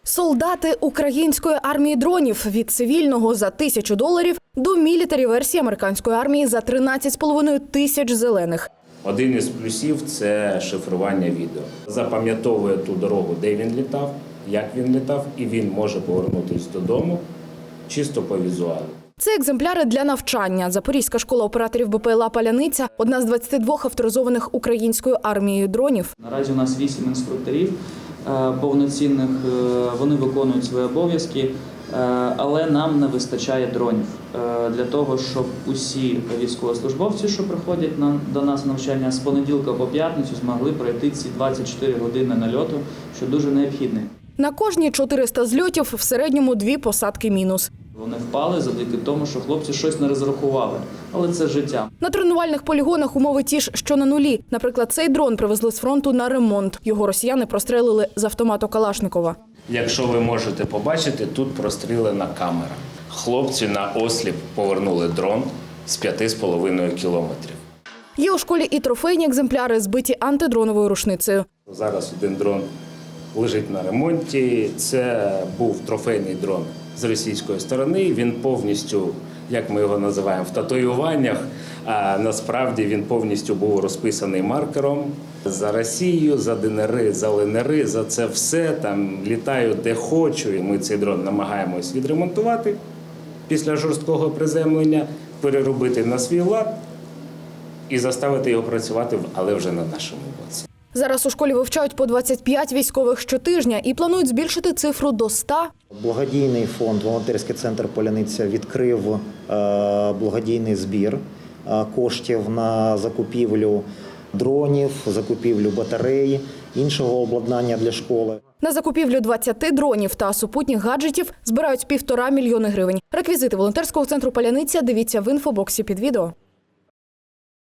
Солдати української армії дронів – від цивільного за $1000 до мілітарі-версії американської армії за 13,5 тисяч зелених. Один із плюсів – це шифрування відео. Запам'ятовує ту дорогу, де він літав, як він літав, і він може повернутися додому чисто по візуалу. Це екземпляри для навчання. Запорізька школа операторів БПЛА «Паляниця» – одна з 22 авторизованих українською армією дронів. Наразі у нас 8 інструкторів повноцінних, вони виконують свої обов'язки, але нам не вистачає дронів для того, щоб усі військовослужбовці, що приходять до нас навчання з понеділка по п'ятницю, змогли пройти ці 24 години нальоту, що дуже необхідно. На кожні 400 зльотів в середньому 2 посадки мінус. Вони впали завдяки тому, що хлопці щось не розрахували, але це життя. На тренувальних полігонах умови ті ж, що на нулі. Наприклад, цей дрон привезли з фронту на ремонт. Його росіяни прострелили з автомату Калашникова. Якщо ви можете побачити, тут прострілена камера. Хлопці на осліп повернули дрон з 5,5 кілометрів. Є у школі і трофейні екземпляри, збиті антидроновою рушницею. Зараз один дрон лежить на ремонті. Це був трофейний дрон з російської сторони. Він повністю, як ми його називаємо, в татуюваннях, а насправді він повністю був розписаний маркером. За Росію, за ДНР, за ЛНР, за це все, там літаю де хочу, і ми цей дрон намагаємось відремонтувати після жорсткого приземлення, переробити на свій лад і заставити його працювати, але вже на нашому боці. Зараз у школі вивчають по 25 військових щотижня і планують збільшити цифру до 100. Благодійний фонд «Волонтерський центр Паляниця» відкрив благодійний збір коштів на закупівлю дронів, закупівлю батарей, іншого обладнання для школи. На закупівлю 20 дронів та супутніх гаджетів збирають 1,5 мільйони гривень. Реквізити волонтерського центру «Паляниця» дивіться в інфобоксі під відео.